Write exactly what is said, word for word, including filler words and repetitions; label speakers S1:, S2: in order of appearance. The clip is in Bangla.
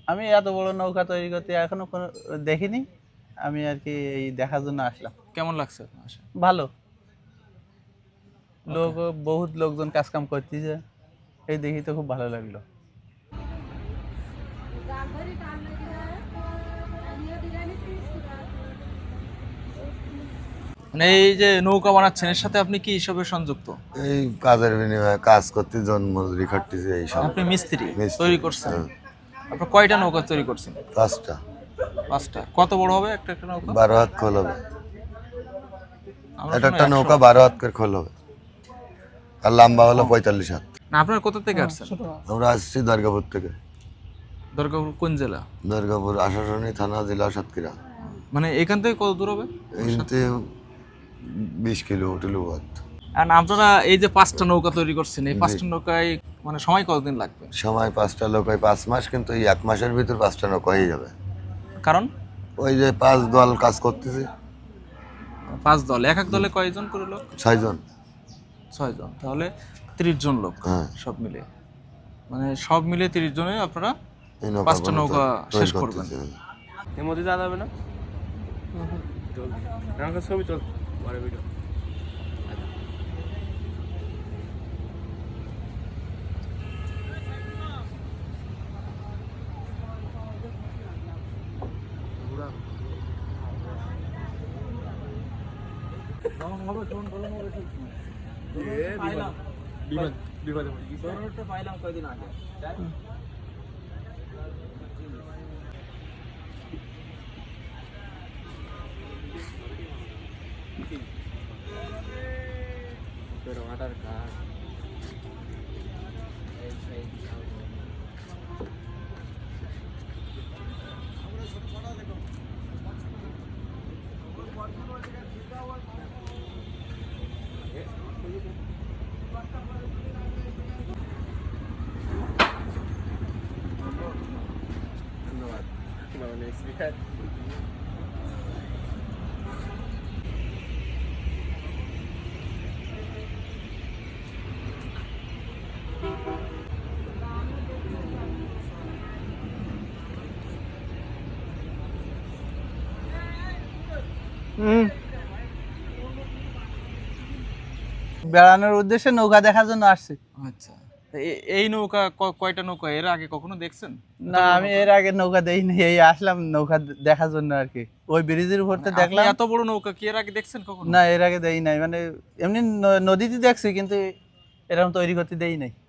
S1: আমি এত বড় নৌকা তৈরি করতে এখনো কোনো দেখিনি। আমি আর কি এই দেখার জন্য আসলাম।
S2: কেমন লাগছে আপনার আসা?
S1: ভালো, লোক বহুত লোকজন কাজ কাম করতেছে, এই দেখি তো খুব ভালো লাগলো।
S2: মানে এই যে নৌকা বানাচ্ছেন এর সাথে আপনি কি হিসাবে সংযুক্ত?
S3: এই কাজের বিনিময়ে কাজ করতে জন মজুরি খাটতেছে এই সব।
S2: আপনি মিস্ত্রি
S3: মিস্ত্রি,
S2: তৈরি করছেন?
S3: হ্যাঁ।
S2: আপনার কয়টা নৌকা তৈরি করছেন?
S3: পাঁচটা।
S2: পাঁচটা। কত বড় হবে একটা একটা নৌকা?
S3: বারো হাত খোল হবে।
S2: আমরা
S3: একটা
S2: শুনি
S3: একটা
S2: একশো।
S3: নৌকা বারো হাত করে খোল হবে, আর লম্বা হলো পঁয়তাল্লিশ হাত।
S2: না আপনার কোথা থেকে আসছেন?
S3: আমরা আসছি দুর্গাপুর থেকে।
S2: দুর্গাপুর কোন জেলা?
S3: দুর্গাপুর আশাশুনি থানা, জেলা সাতক্ষীরা।
S2: মানে এখান থেকে কত দূর হবে?
S3: এতে বিশ কিলো টিলো বাদ।
S2: আর আপনারা এই যে পাঁচটা নৌকা তৈরি করছেন, এই পাঁচটা নৌকায় মানে সময় কতদিন লাগবে?
S3: সময় পাঁচটা লোক হয় পাঁচ মাস, কিন্তু এই এক মাসের ভিতর পাঁচটা নৌকা হয়ে যাবে।
S2: কারণ
S3: ওই যে পাঁচ দল কাজ করতেছে।
S2: পাঁচ দল, এক এক দলে কয়জন করে লোক?
S3: ছয়জন।
S2: ছয় জন, তাহলে তিরিশ জন লোক।
S3: হ্যাঁ।
S2: সব মিলে মানে সব মিলে তিরিশ জনে আপনারা
S3: এই নৌকা
S2: পাঁচটা
S3: গুলো
S2: নৌকা
S3: তৈরি
S2: শেষ করবেন।
S3: করতেছে।
S4: এর মধ্যে যাওয়া যাবে না? চল আমার ছবি চল পরে ভিডিও। বিমান বিমানে
S2: পাইলাম কয়দিন আগে।
S4: তোর আধার কার্ড ধন্যবাদ। মানে স্পিকার
S1: বেড়ানোর উদ্দেশ্যে নৌকা দেখার জন্য আসছি।
S2: আচ্ছা, তো এ- এই নৌকা ক- কয়টা নৌকা এর আগে কখনো দেখছেন?
S1: না, আমি এর আগে নৌকা দেইনি, এই আসলাম নৌকা দে- দেখার জন্য আর কি। ওই ব্রিজের উপর থেকে
S2: আপনি
S1: দেখলাম।
S2: এত বড় নৌকা কি এর আগে দেখছেন কখনো?
S1: না, এর আগে দেই নাই, মানে এমনি ন- নদীতে দেখছি, কিন্তু এরকম তৈরি করতে দেই নাই।